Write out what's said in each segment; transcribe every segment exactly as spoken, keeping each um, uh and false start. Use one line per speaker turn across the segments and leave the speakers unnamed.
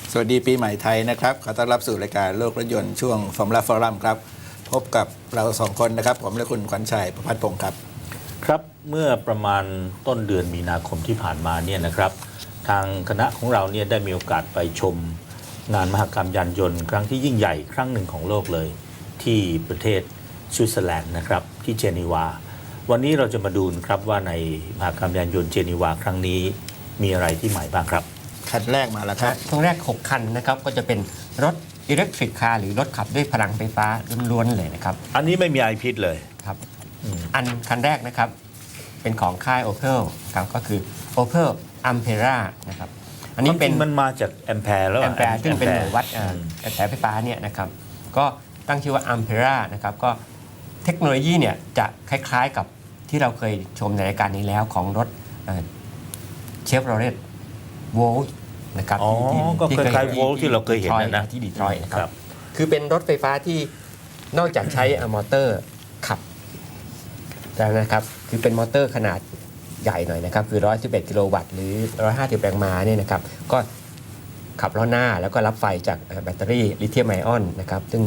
สวัสดีปีใหม่ไทยนะครับขอต้อนรับสู่รายการโลกรถยนต์ช่วงฟอร์มูล่าฟอรัมครับพบกับเราสองคนนะครับผมและคุณขวัญชัยประภัสพงศ์ครับ
ครับเมื่อประมาณต้นเดือนมีนาคมที่ผ่านมาเนี่ยนะครับทางคณะของเราเนี่ยได้มีโอกาสไปชมงานมหกรรมยานยนต์ครั้งที่ยิ่งใหญ่ครั้งหนึ่งของโลกเลยที่ประเทศสวิตเซอร์แลนด์นะครับที่เจนีวาวันนี้เราจะมาดูครับว่าในมหกรรมยานยนต์เจนีวาครั้งนี้มีอะไรที่ใหม่บ้างครับ
คันแรกมาแล้วครับ
ตรงแรกหกคันนะครับก็จะเป็นรถอิเล็กทริกคาร์หรือรถขับด้วยพลังไฟฟ้าล้วนๆเลยนะครับ
อันนี้ไม่มีไอพิษเลย
ครับอันคันแรกนะครับเป็นของค่าย Opel ครับก็คือ Opel Ampera นะครับ
อันนี้เป็นมันมาจากแอมแพร์แล้ว
แอมแพร์ซึ่งเป็นหน่วยวัดกระแสไฟฟ้าเนี่ยนะครับก็ตั้งชื่อว่า Ampera นะครับก็เทคโนโลยีเนี่ยจะคล้ายๆกับที่เราเคยชมในรายการนี้แล้วของรถเชฟโรเลตโวลต์นะครับ
อ๋อก็คล้ายๆโวลต์ที่เราเคยเห็นนะ
ที่ดีทรอยต์นะครับคือเป็นรถไฟฟ้าที่นอกจากใช้มอเตอร์ขับแล้วนะครับคือเป็นมอเตอร์ขนาดใหญ่หน่อยนะครับคือหนึ่งร้อยสิบเอ็ดกิโลวัตต์หรือหนึ่งร้อยห้าสิบแรงม้าเนี่ยนะครับก็ขับล้อหน้าแล้วก็รับไฟจากแบตเตอรี่ลิเธียมไอออนนะครับซึ่ง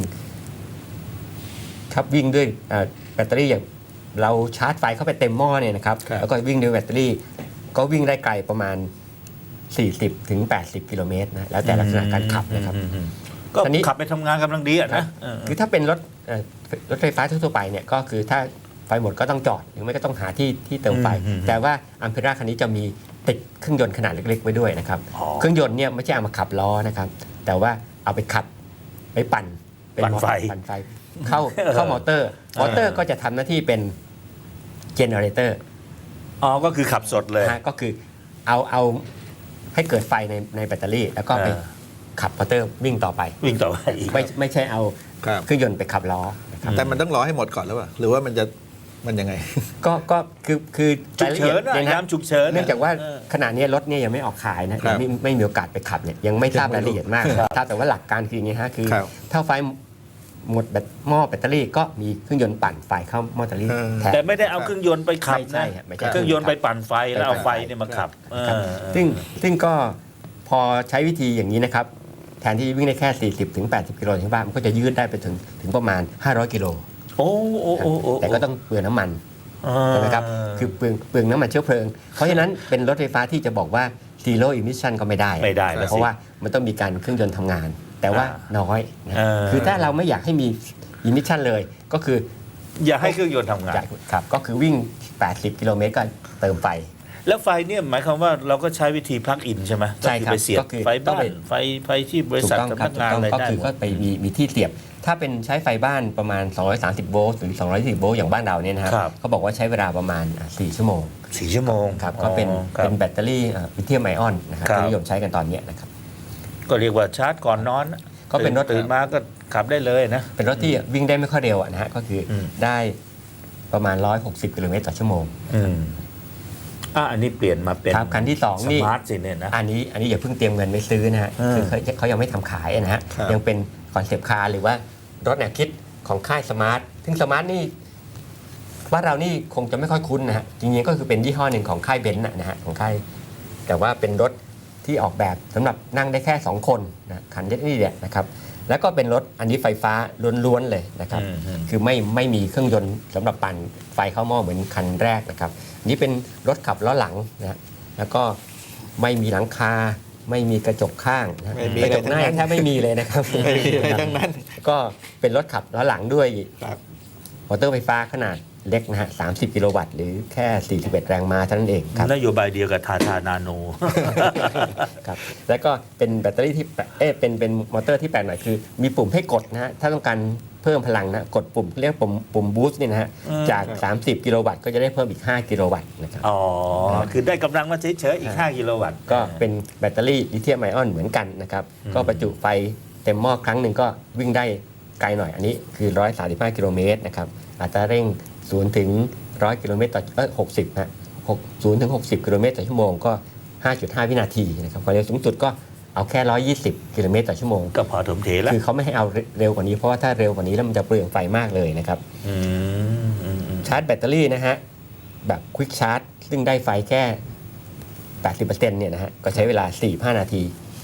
ขับวิ่งด้วยแบตเตอรี่อย่างเราชาร์จไฟเข้าไปเต็มหม้อเนี่ยนะครับแล้วก็วิ่งด้วยแบตเตอรี่ก็วิ่งได้ไกลประมาณสี่สิบถึงแปดสิบกิโลเมตรนะแล้วแต่ลักษณะการขับนะครับ
ก็ขับไปทำงานกำลังดีอ่ะนะ
คือถ้าเป็นรถรถไฟฟ้าทั่วไปเนี่ยก็คือถ้าไฟหมดก็ต้องจอดหรือไม่ก็ต้องหาที่ที่เติมไฟแต่ว่าอัมเพร่าคันนี้จะมีติดเครื่องยนต์ขนาดเล็กๆไว้ด้วยนะครับเครื่องยนต์เนี่ยไม่ใช่เอามาขับล้อนะครับแต่ว่าเอาไปขับไปปั่น
เป็นปั่นไฟ
ปั่นไฟเข้าเข้ามอเตอร์มอเตอร์ก็จะทำหน้าที่เป็นเจเนเรเตอร์
อ๋อก็คือขับสดเลย
ก็คือเอาเอาให้เกิดไฟในในแบตเตอรี่แล้วก็ไปขับมอเตอร์วิ่งต่อไป
วิ่งต่อไป
ไม่ไม่ใช่เอาเครื่องยนต์ไปขับล้อ
แต่มันต้องรอให้หมดก่อนแล้วป่ะหรือว่ามันจะมันยังไง
ก็ก็คือคือ
ฉุกเฉินนะฉุกเฉิน
เนื่องจากว่าขณะนี้รถเนี่ยยังไม่ออกขายนะไม่ไม่มีโอกาสไปขับเนี่ยยังไม่ทราบรายละเอียดมากทราบแต่ว่าหลักการคืออย่างนี้ฮะคือถ้าไฟหมดแบตหม้อแบตเตอรี่ก็มีเครื่องยนต์ปั่นไฟเข้าหม้อแบตเตอรี่
แต่ไม่ได้เอาเครื่องยนต์ไปขับนะเครื่องยนต์ไปปั่นไฟแล้วเอาไฟเนี่ยมาขับ
ซึ่งซึ่งก็พอใช้วิธีอย่างนี้นะครับแทนที่วิ่งได้แค่สี่สิบถึงแปดสิบกิโลใช่ป่ะมันก็จะยืดได้ไปถึงถึงประมาณห้าร้อยกิโล
โอ้โอ้โอ้
แต่ก็ต้องเปลืองน้ำมันใช่ไหมครับคือเปลืองเปลืองน้ำมันเชื้อเพลิงเพราะฉะนั้นเป็นรถไฟฟ้าที่จะบอกว่า zero emission ก็ไม่ได้
ไม่ได้
เพราะว่ามันต้องมีการเครื่องยนต์ทำงานแต่ว่าน้อยคือถ้าเราไม่อยากให้มี emission เลยก็คือ
อย่าให้เครื่องยนต์ทำงาน
ครับก็คือวิ่งแปดสิบกิโลเมตรก็เติมไฟ
แล้วไฟเนี่ยหมายความว่าเราก็ใช้วิธี plug in ใช่ไหม
ใช่ครับ
ไปเสียบไฟบ้านไฟไฟที่บริษัทสำนักงานอะไรได้
ก็คือก็ไปมีมีที่เสียบถ้าเป็นใช้ไฟบ้านประมาณสองร้อยสามสิบโวลต์หรือสองร้อยสี่สิบโวลต์อย่างบ้านเราเนี่ยนะครับเขาบอกว่าใช้เวลาประมาณสี่ชั่วโมง
สี่ชั่วโมง
ครับก็เป็นเป็นแบตเตอรี่ลิเธียมไอออนนะครับที่นิยมใช้กันตอนนี้นะครับ
ก็เรียกว่าชาร์จก่อนนอน
ก็เป็นรถ
ตื่นมาก็ขับได้เลยนะ
เป็นรถที่วิ่งได้ไม่ค่อยเร็วนะฮะก็คือได้ประมาณหนึ่งร้อยหกสิบกิโลเมตรต่อชั่วโมง
อ่ะอันนี้เปลี่ยนมาเป็น
คันที่สองนี่
สมาร์ทสิเนี่ยนะ
อันนี้อันนี้อย่าเพิ่งเตรียมเงินไปซื้อนะฮะคือเขาเขายังไม่ทำขายนะฮะยังเป็นคอนเซปต์คาร์หรือว่ารถแนวคิดของค่ายสมาร์ทซึ่งสมาร์ทนี่บ้านเรานี่คงจะไม่ค่อยคุ้นนะฮะจริงๆก็คือเป็นยี่ห้อหนึ่งของค่ายเบนซ์นะฮะของค่ายแต่ว่าเป็นรถที่ออกแบบสำหรับนั่งได้แค่สองคนนะคันนี้เนี่ยนะครับแล้วก็เป็นรถอันนี้ไฟฟ้าล้วนๆเลยนะครับคือไม่ไม่มีเครื่องยนต์สำหรับปั่นไฟเข้าหม้อเหมือนคันแรกนะครับนี่เป็นรถขับล้อหลังนะแล้วก็ไม่มีหลังคาไม่มีกระจกข้างนะกระจกหน้าแทบไม่มีเลยนะครับ
ไม่มีอะไรทั้งนั้น
ก็เป็นรถขับล้อหลังด้วยมอเตอร์ไฟฟ้าขนาดเล็กนะฮะสามสิบกิโลวัตต์หรือแค่สี่สิบเอ็ดแรงม้าเท่านั้นเองครับ
นโยบายเดียวกับทาทานาโน
ครับแล้วก็เป็นแบตเตอรี่ที่เอ๊ะเป็นเป็นมอเตอร์ที่แปลกหน่อยคือมีปุ่มให้กดนะฮะถ้าต้องการเพิ่มพลังนะกดปุ่มเรียกปุ่มปุ่มบูสต์นี่นะฮะจากสามสิบกิโลวัตต์ก็จะได้เพิ่มอีกห้ากิโลวัตต์นะครับ
อ๋อคือได้กำลังมาเฉยๆอีกห้ากิโลวัตต์
ก็เป็นแบตเตอรี่ลิเธียมไอออนเหมือนกันนะครับก็ประจุไฟเต็มหม้อครั้งหนึ่งก็วิ่งได้ไกลหน่อยอันนี้คือหนึ่งร้อยสามสิบห้ากิโลเมตรนะครับอัตราเร่งศูนย์ถึงหนึ่งร้อยกิโลเมตรต่อเออหกสิบฮะศูนย์ถึงหกสิบกิโลเมตรต่อชั่วโมงก็ ห้าจุดห้า วินาทีนะครับความเร็วสูงสุดก็เอาแค่หนึ่งร้อยยี่สิบกิโลเมตรต่อชั่วโมง
ก็พอถมเทแล้ว
คือเขาไม่ให้เอาเร็วกว่านี้เพราะว่าถ้าเร็วกว่านี้แล้วมันจะเปลืองไฟมากเลยนะครับชาร์จแบตเตอรี่นะฮะแบบควิกชาร์จซึ่งได้ไฟแค่ แปดสิบเปอร์เซ็นต์ เนี่ยนะฮะก็ใช้เวลาสี่สิบห้านาที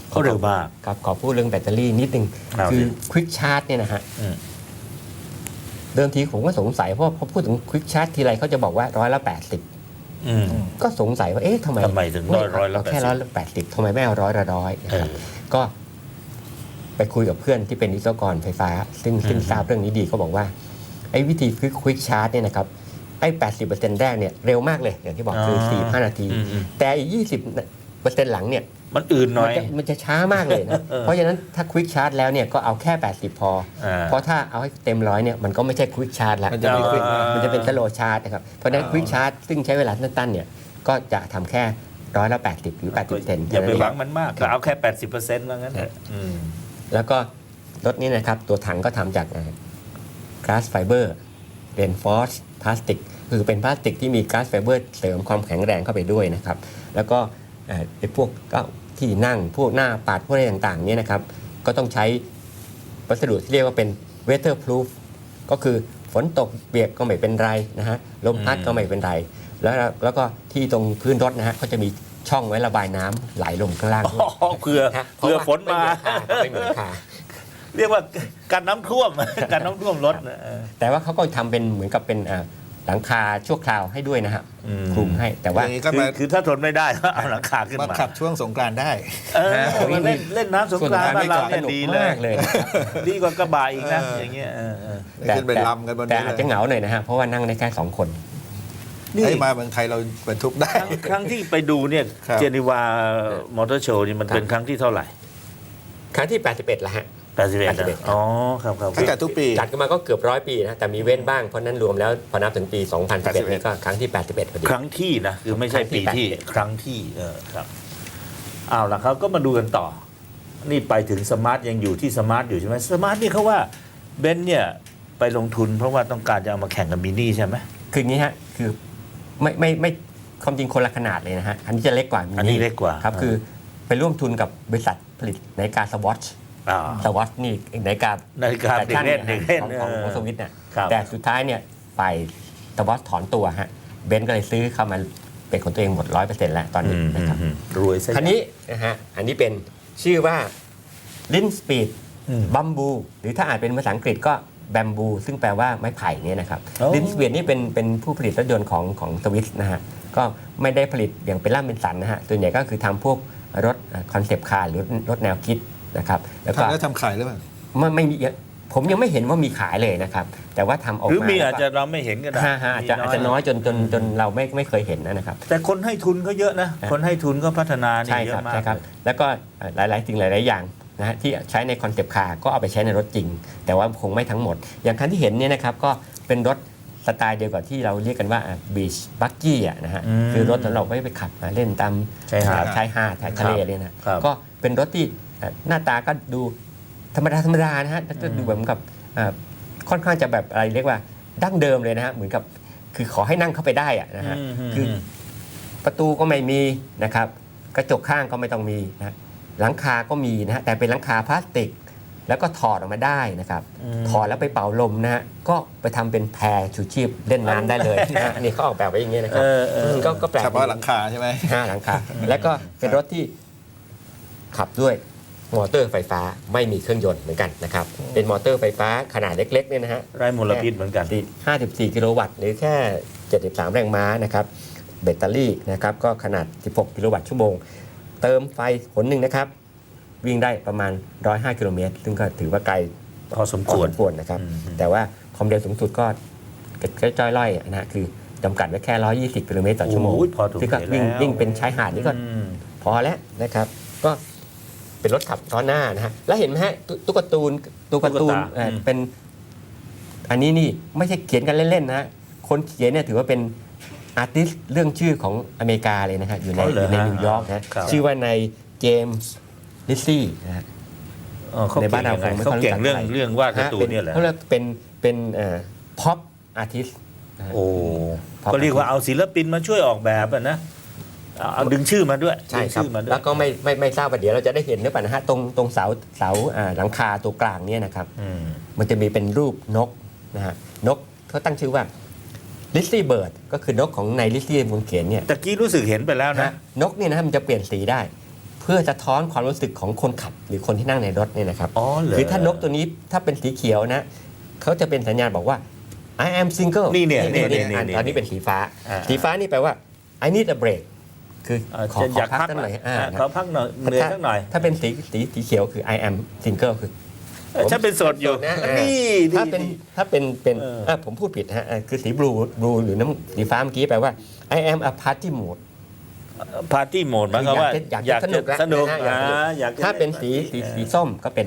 เขาเร็วมาก
ครับขอพูดเรื่องแบตเตอรี่นิดนึง
เอาสิ
คือควิกชาร์จเนี่ยนะฮะ
อืม
เดิมทีผมก็สงสัยเพราะพอพูดถึงควิกชาร์จทีไรเขาจะบอกว่าร้อยละแปดสิบ
อืม
ก็สงสัยว่าเอ๊ะทำไม
ทำไมถึงร้อยร้อยละ
เาแค่
แปดสิบ
ร้อยละแปดสิบทำไมไม่เอาร้อยละร้อยนะครับ
เออ
ก็ไปคุยกับเพื่อนที่เป็นวิศวกรไฟฟ้า ซึ่งซึ่ง
อืม
ทราบเรื่องนี้ดีเขาบอกว่าไอ้วิธีควิกควิกชาร์จเนี่ยนะครับไอ้แปดสิบเปอร์เซ็นต์แรกเนี่ยเร็วมากเลยอย่างที่บอกคือสี่ห้านาที
อืมอืม
แต่อีกยี่สิบเปอร์เซ็นต์หลังเนี่ย
มันอื่นหน่
มั
อน ย
จะมันจะช้ามากเลยนะ
เออ
เพราะฉะนั้นถ้าควิกชาร์จแล้วเนี่ยก็เอาแค่แปดสิบพอ
อ่า
เพราะถ้าเอาให้เต็มร้อยเนี่ยมันก็ไม่ใช่ควิกชาร์จแล้ว
มันจะไม่ quick
อ่ามั
มันจะเป็นสโลชาร์จนะครับเพราะฉะนั้น
อ่า
ควิกชาร์จซึ่งใช้เวลาสั้นๆเนี่ยก็จะทำแค่ร้อยละแปดสิบหรือแปดสิบเปอร์เซ็นต์
อย่าไปหวังมันมากก็เอาแค่ แปดสิบเปอร์เซ็นต์ ว่างั้นเถอะอืม
แล้วก็รถนี้นะครับตัวถังก็ทำจากก๊าซไฟเบอร์เรนฟอร์สพลาสติกคือเป็นพลาสติกที่มีก๊าซไฟเบอร์เสริมความแข็งแรงเข้าไปด้วยนะครับแล้วก็เอ่อไอ้พวกเก็ที่นั่งพวกหน้าปัดพวกอะไรต่างๆเนี่ยนะครับก็ต้องใช้วัสดุที่เรียกว่าเป็น weatherproof ก็คือฝนตกเปียกก็ไม่เป็นไรนะฮะลมพัดก็ไม่เป็นไร แล้วแล้วก็ที่ตรงพื้นรถนะฮะก็จะมีช่องไว้ระบายน้ำไหลลงข้างล่างด้วย
อ๋อเผื่อ
นะฮะ
เผื่อฝนมา
ไม่เหมือนคา
เรียกว่าการน้ำท่วม การน้ำท่วมรถนะเออ
แต่ว่าเขาก็ทำเป็นเหมือนกับเป็นอ่าหลังคาชั่วคราวให้ด้วยนะฮะ
อืม
คลุมให้แต่ว่า
อย่างนี้ก็
คือ
มา
คือถ้าทนไม่ได้ก็เอาหลังคาขึ้น
มา
มา
ขับช่วงสงกรานต์ได้
เออมาเล่นเล่นน้ำสงกรานต์บ้านเราเนี่ย
สนุก
ดีเลย
มากเลยนะครับ
ดีกว่ากระบะอีกนะ
เออ
อย่างเงี้ยเออเออ
ขึ้นไปลำกันบน
แต่
นี้
อาจ
เล
จะ
ย
เหงาหน่อยนะฮะเพราะว่านั่งได้แค่สองคน
นี่
ให้มาเมืองไทยเราบรรทุกได้
ครั้งครั้งที่ไปดูเนี่ย
ครับ
เจนีวามอเตอร์โชว์นี่มันเป็นครั้งที่เท่าไหร่
ครั้งที่แปดสิบเอ็ดละฮะ
แปดสิบเอ็ด
แปดสิบเอ็ด
อ๋อครับครับ
เขาจัดทุกปี
จัดกันมาก็เกือบร้อยปีนะแต่มีเว้นบ้างเพราะนั้นรวมแล้วพอนับถึงปี สองพันสิบเอ็ด นี่ก็ครั้งที่ แปดสิบเอ็ดพอดี
ครั้งที่นะคือไม่ใช่ปีที่
ครั้งที่
ครั้งที่เออครับเอาล่ะครับก็มาดูกันต่อ นี่ไปถึงสมาร์ทยังอยู่ที่สมาร์ทอยู่ใช่ไหมสมาร์ทนี่เขาว่าเบนซ์เนี่ยไปลงทุนเพราะว่าต้องการจะเอามาแข่งกับมินี่ใช่ไหม
คืออย่างนี้ฮะคือไม่ไม่ไม่ความจริงคนละขนาดเลยนะฮะอันนี้จะเล็กกว่ามิ
อันนี้เล็กกว่า
ครับคือไปร่วมทุนกับบริษัทผลิตนาฬิกาสวอช
อ่า
สวอชนี่นาฬิกา
นาฬิกาเด็กเล่นเด็กเล่น
ของ
เอ
ของ
อ
ของสวิตเนี่ย
ครับ
แต่สุดท้ายเนี่ยฝ่ายสวอชถอนตัวฮะเบนซ์ก็เลยซื้อเข้ามาเป็นของตัวเองหมดร้อยเปอร์เซ็นต์แล้วตอน
อื
นี้
ม
นะครับ
อืมรวยซะ
คันนี้นะฮะอันนี้เป็นชื่อว่าลินสปีด
อืม
บัมบูหรือถ้าอ่านเป็นภาษาอังกฤษก็แบมบูซึ่งแปลว่าไม้ไผ่เนี่ยนะครับ
โอ้
ลินสปีดนี่เป็นเป็นผู้ผลิตรถยนต์ของของสวิสนะฮะก็ไม่ได้ผลิตอย่างเป็นล่ำเป็นสันนะฮะส่วนใหญ่ก็คือทำพวกรถคอนเซปต์คาร์หรือรถแนวคิดนะครับแล้วก็
ทำแล้วทำขายหรือเปล่า
ไม่ไม่มีผมยังไม่เห็นว่ามีขายเลยนะครับ แต่ว่าทำออก
หรือ
มา
มี
แล้ว
อาจ
ก็
จะเราไม่เห็นก็ได้
ฮะฮะอาจจะอาจจะน้อยจนจนจนเราไม่ไม่เคยเห็นนะครับ
แต่คนให้ทุนก็เยอะนะ คนให้ทุนก็พัฒนานี่
ใช่
เย
ครับ
อะมาก
ใช่ครับ แล้วก็เอ่อหลาย ๆ สิ่งหลาย ๆ อย่างนะฮะที่ใช้ในคอนเซปต์คาร์ก็เอาไปใช้ในรถจริง แต่ว่าคงไม่ทั้งหมด อย่างคันที่เห็นเนี่ยนะครับก็เป็นรถสไตล์เดียวกับที่เราเรียกกันว่าบีชบักกี้อ่ะนะฮะ
อืม
คือรถสำหรับไว้ไปขับเล่นตาม
ชายหาด
ชายหาดชายทะเลเนี่ยนะครับ ก็เป็นรถที่เอ่อหน้าตาก็ดูธรรมดาธรรมดานะฮะแล้วก็ดูแบบเหมือนกับเอ่อค่อนข้างจะแบบอะไรเรียกว่าดั้งเดิมเลยนะฮะเหมือนกับคือขอให้นั่งเข้าไปได้อะนะฮะ
อืม
คือ ประตูก็ไม่มีนะครับกระจกข้างก็ไม่ต้องมีนะหลังคาก็มีนะฮะแต่เป็นหลังคาพลาสติก แล้วก็ถอดออกมาได้นะครับ
อืม
ถอดแล้วไปเป่าลมนะฮะก็ไปทำเป็นแพชูชีพเล่นน้ำได้เลยนะฮะนี่เขาออกแบบไว้อย่างเงี้ยนะครั
เออเออ
มก็ก็แปลก
เฉพาะหลังคาใช่ไหม
ห้าหลังคาแล้วก็เป็นรถที่ขับด้วยมอเตอร์ไฟฟ้าไม่มีเครื่องยนต์เหมือนกันนะครับเป็นมอเตอร์ไฟฟ้าขนาดเล็กๆเนี่ยนะฮะ
ไร้มลพิษเหมือนกัน
ห้าสิบสี่กิโลวัตต์หรือแค่เจ็ดสิบสามแรงม้านะครับแบตเตอรี่นะครับก็ขนาดสิบหกกิโลวัตต์ชั่วโมง เติมไฟหนหนึ่งนะครับ วิ่งได้ประมาณหนึ่งร้อยห้ากิโลเมตรซึ่งก็ถือว่าไกล
พอสม
พอ
ควร
สมควรนะครับ
อืม
แต่ว่าความเร็วสูงสุดก็จ้อยๆล่อยๆนะฮะคือจำกัดไว้แค่หนึ่งร้อยยี่สิบกิโลเมตรต่อชั่วโมง
โอ้ยพอถูก
ซึ่งก็
แล้ว
วิ่งวิ่งเป็นชายหาดนี่ก็
อืม
พอแล้วนะครับ ก็เป็นรถขับล้อหน้านะฮะแล้วเห็นไหมฮะตุ๊ตุ๊กตาตูนตุ๊กตาตูน
ตุ๊กตา
เอ่ออ
ม
เป็น อันนี้นี่ไม่ใช่เขียนกันเล่น ๆ นะฮะคนเขียนเนี่ยถือว่าเป็นอาร์ติสต์เรื่องชื่อของอเมริกาเลยนะฮะอยู่ใน
อ๋อเหร
อ
อยู่
ใน
ฮะ
นิวยอร์กนะ
ครับ
ชื่อว่าในเจมส์ลิซซี่นะฮะ
เออเขา
ใน
เก่
บ้าง นเรา
ยังไง
คงไม่
เขา
ค่อยรู้
เก่ง
จัก
เรื่อง
อะไร
เรื่องวาดการ์ตูนเนี่ยแหละ
เขาเรียกเป็นเป็นพ็อปอาร์ติสต์
โอ้
พอ
ก็เรียกว่าเอาศิลปินมาช่วยออกแบบอะนะเอาเอาดึงชื่อมาด้วย
ใช่
ดึง
ครับ
ชื่อมาด้วย
แล้วก็ไม่ไม่ไม่ทราบว่าเดี๋ยวเราจะได้เห็นหรือเปล่านะฮะตรงตรงเสาเสาอ่าหลังคาตัวกลางเนี่ยนะครับ
อืม
มันจะมีเป็นรูปนกนะฮะนกเขาตั้งชื่อว่าลิซซี่เบิร์ดก็คือนกของในลิซซี่บนเขียนเนี่ย
ตะกี้รู้สึกเห็นไปแล้วนะ
นะนกเนี่ยนะฮะมันจะเปลี่ยนสีได้ ผเพื่อสะท้อนความรู้สึกของคนขับหรือคนที่นั่งในรถเนี่ยนะครับ
อ๋อเหรอ
คือถ้านกตัวนี้ถ้าเป็นสีเขียวนะเขาจะเป็นสัญญาณบอกว่า I am single
นี่เนี่ยนี่นี่
อ่ะ
นี่
ตอนนี้เป็นสีฟ้า
อ่า
สีฟ้านี่แปลว่า I need a break คือ
อ่า
ขอ
จะ
ข
อ
อย
าก
พัก
พัก
สักหน่อย
อ่ะ
อ่า
ขอพักหน่อยเหนื่อยสักหน่อย
ถ้าเป็นสีสีสีเขียวคือ I am single คือ
เอ้ยฉันเป็นโสดอยู่
นะอ่า
นี่
ถ้าเป็น
นี่
ถ้าเป็นเป็น
เออ
อ่ะผมพูดผิดฮะอ่ะคือสีบลูบลูหรือน้ำสีฟ้าเมื่อกี้แปลว่า I am a party mode
ปาร์ตี้โหมดหมายความว่า
อยากจะสนุกละ
สนุก
นะฮะ
อ่าอยากจะ
ถ้าเป็นสี
ล่
สี
ปาร์ตี้
สีส้มก็เป็น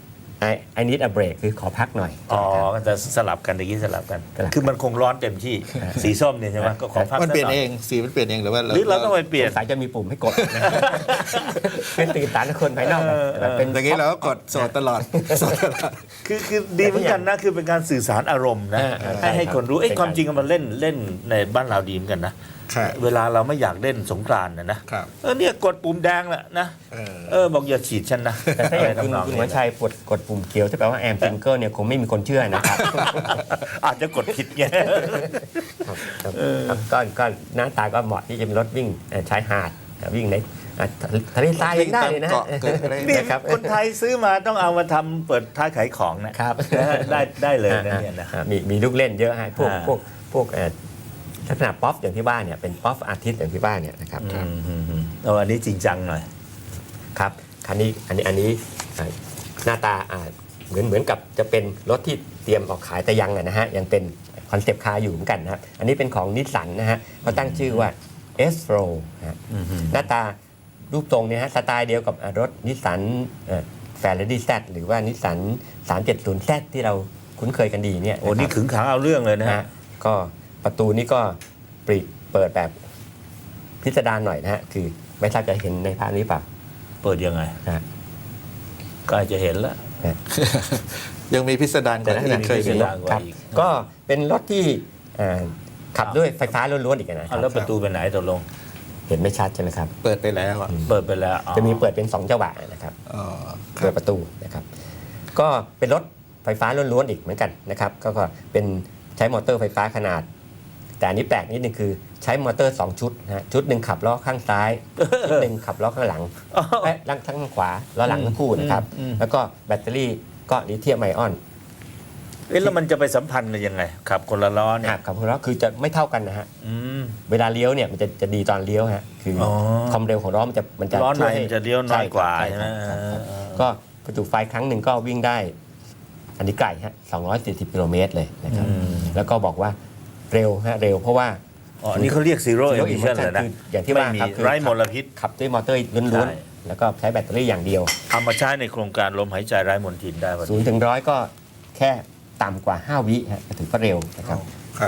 I I need a break คือขอพักหน่อย
อ๋อ
ใช่ไหมครับ
ก็จะสลับกันตะกี้สลับกัน
สลับกัน
คือมันคงร้อนเต็มที่ สีส้มเนี่ยใช่ไหมก็ขอพัก
มันเปลี่ยน
สักห
เองสีมันเปลี่ยนเองหรือว่า
หรือเราต้องไปเปลี่ยน
สงสัยจะมีปุ่มให้กดนะเป็นตื่นตาในคนภายนอกนะ
เออ
แต่เป็น
ตะกี้เราก็กดโสดตลอดโสดตลอด
คือคือดีเหมือนกันนะคือเป็นการสื่อสารอารมณ์นะ
อ่าอ่า
ให้ให้
ใช่ครับ
คนรู้ไอ้ย
เป็น
ความจริง
การ
มันเล่นเล่นในบ้านเราดีเหมือนกันนะครับ เวลาเราไม่อยากเล่นสงกรานต์นะนะครับ เออเนี่ยกดปุ่มแดงแหละนะ
เออ
เออบอกอย่าฉีดฉันนะ
แต่ถ้าอย่างคุณ
ะไรทำน
คุณ
นี้
วัชชัยกดกดปุ่มเขียวที่แปลว่าแอมซิงเกิลเนี่ยคงไม่มีคนเชื่อนะครับ
อาจจะกดผิดไง
ครับครับครับก็ก็หน้าตาก็เหมาะที่จะเป็นรถวิ่งเอ่อชายหาดวิ่งในอ่ะทะเลทรายยังได้เลยนะฮะ
เกาะเกิดอะไร
นี่
นะครับ
คนไทยซื้อมาต้องเอามาทำเปิดท้ายขายของนะครับ นะฮะได้ได้เลยนะเนี่ยนะ
อ่ามีมีลูกเล่นเยอะฮะพวก
อ่า
พวกพวกเอ่อลักษณะป๊อปอย่างที่บ้านเนี่ยเป็นป๊อปอาร์ติสอย่างที่บ้านเนี่ยนะครับ
อืมอืมอืมเอาอันนี้จริงจังหน่อย
ครับคันนี้อันนี้อันนี้อ่าหน้าตาอ่าเหมือนเหมือนกับจะเป็นรถที่เตรียมออกขายแต่ยังอะนะฮะยังเป็นคอนเซปต์คาร์อยู่เหมือนกันนะครับอันนี้เป็นของนิสสันนะฮะเขาตั้งชื่อว่า S-Pro นะฮะ
อืมอืม
หน้าตารูปทรงเนี่ยฮะสไตล์เดียวกับอ่ารถนิสสันแฟร์เรดี้แซหรือว่านิสสัน สามเจ็ดศูนย์ แซ ที่เราคุ้นเคยกันดีเนี่ย
โอ้นี่
ะครับ
ขึงขังเอาเรื่องเลยนะ
นะ
ฮะ
ฮะก็ประตูนี้ก็ปริเปิดแบบพิสดารหน่อยนะฮะคือไม่ทราบจะเห็นในภาพนี้เปล่า
เปิดยังไง
นะฮะ
ก็อาจจะเห็นแล้ว
ยังมีพิสดารกว่าที่เคย
พิ
มี
สดาร
ครับก็เป็นรถที่เอ่อขับด้วยไฟฟ้าล้วนๆอีกนะค
เอา
รับ
แล้วประตูไปไหนตกลง
เห็นไม่ชัดใช่ไหมครับ
เปิดไปแล้วอ่ะ
เปิดไปแล้วอ๋อ
จะมีเปิดเป็นสองจังหวะนะครับ
อ๋อค
เปิ
รั
ด
บ
ประตูนะครับ ก็เป็นรถไฟฟ้าล้วนๆอีกเหมือนกันนะครับก็ก็เป็นใช้มอเตอร์ไฟฟ้าขนาด แต่อันนี้แปลกนิดนึงคือใช้มอเตอร์สองชุดนะฮะชุดหนึ่งขับล้อข้างซ้าย ชุดหนึ่งขับล้อข้างหลัง
อ๋อ
และลังทั้งขวาล้อหลังทั้งคู่นะครับ
อืมอืม
แล้วก็แบตเตอรี่ก็ลิเธียมไอออน
เอ๊ะแล้วมันจะไปสัมพันธ์กันยังไงขับคนละล้อเนี่ย
หักกับล้อคือจะไม่เท่ากันนะฮะ
อืม
เวลาเลี้ยวเนี่ยมันจะจะดีตอนเลี้ยวฮะคืออ
อ
ความเร็วของล้อมันจะมันจะ
ล้อใน
ช่วยให้
มันจะเลี้ยวน้อยกว่า
ใช่
ใช่ไหม
ครับครับ
เออ
ก็ประจุไฟครั้งหนึ่งก็วิ่งได้ อันนี้ไกลฮะสองร้อยสี่สิบกิโลเมตรเลยนะครับ
อืม
แล้วก็บอกว่าเร็วฮะเร็วเพราะว่า
อ๋ออันนี่เขาเรียก zero
Zero
emission
emission
เลยนะ
คืออย่างที่ว่า
ไม่มี
ครับคือ
ไร้มลพิษ
ขับด้วยมอเตอร์ล้
ใช่
วนๆแล้วก็ใช้แบตเตอรี่อย่างเดียว
เอามาใช้ในโครงการลมหายใจไร้มลทินได้พอ
ศู
ดี
นย์ถึงร้อยก็แค่ต่ำกว่าห้าวิฮะถือว่าเร็วนะครับ
ครับ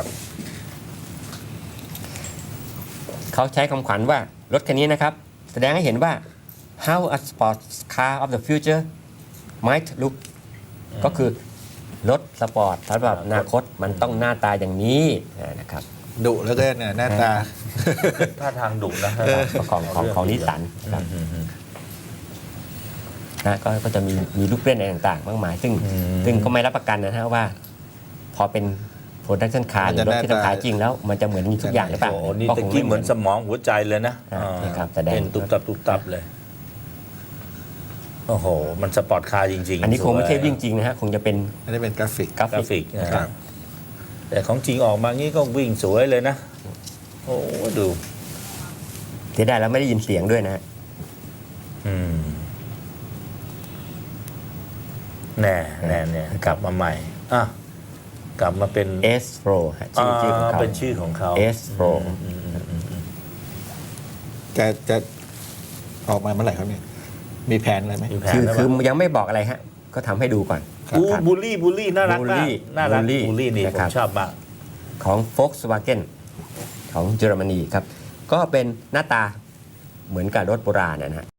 เขาใช้คำขวัญว่ารถคันนี้นะครับ แสดงให้เห็นว่า how a sports car of the future might look ก็คือรถสปอร์ตสำหรับอนาคตมันต้องหน้าตาอย่างนี้นะครับ
ดุแล้วก็เนี่ยหน้าตา
ท่าทางดุนะ
ของของของนิสสันครับ
อืมอืม
นะก็ก็จะมีมีลูกเล่นอะไรต่างๆ มากมาย ซึ่ง
อืม
ซึ่งก็ไม่รับประกันนะฮะว่า พอเป็นโปรดักชันคาร์ห
มัน
รื
จะ
อรถที่
หน้าตา
ทำขายจริงแล้ว มันจะเหมือนมีทุกอย่างหรือเปล่า
โอ้โหนี่
ก็
ตะ
คง
กี้
ไ
เหมือนสมองหัวใจเลยนะ
อ่า
อ่า
นี่ครับแสดง
เป็นตุบตับตุบตับเลย โอ้โห มันสปอร์ตคาร์จริงๆ
อันนี้คงไม่ใช่
สวย
วิ่งจริงนะฮะคงจะเป็น
อันนี้เป็นกราฟิก
กรา
กรา
ฟิ
ฟิ
ก
กนะ
ครั
ฮะ
บ
แต่ของจริงออกมางี้ก็วิ่งสวยเลยนะ โอ้ดู
ที่ได้แล้วไม่ได้ยินเสียงด้วยนะฮะ
อืมแน่แน่เนี่ยกลับมาใหม่อ่ะกลับมาเป็น
S Pro ฮะชื่อชื่อของเขา
เป็นชื่อของเขา
S Pro
อืมอืมอืมอืม
จะจะออกมาเมื่อไหร่ครับเนี่ยมีแผนอะไรไหม
มีแผน
คือ
แล้ว
คือ
ปะ
ยังไม่บอกอะไรฮะ ก็ทำให้ดูก่อน
ครับ
บู
ครับ
บูลลี่บูลลี่น่ารัก
บูล
มา
ลี่
กน่ารัก
บูลลี่
บูลลี่นี่
นะ
ผ
ครั
ม
บ
ชอบมาก
ของ Volkswagen ของเยอรมนีครับ ก็เป็นหน้าตาเหมือนกับรถโบราณนะฮะ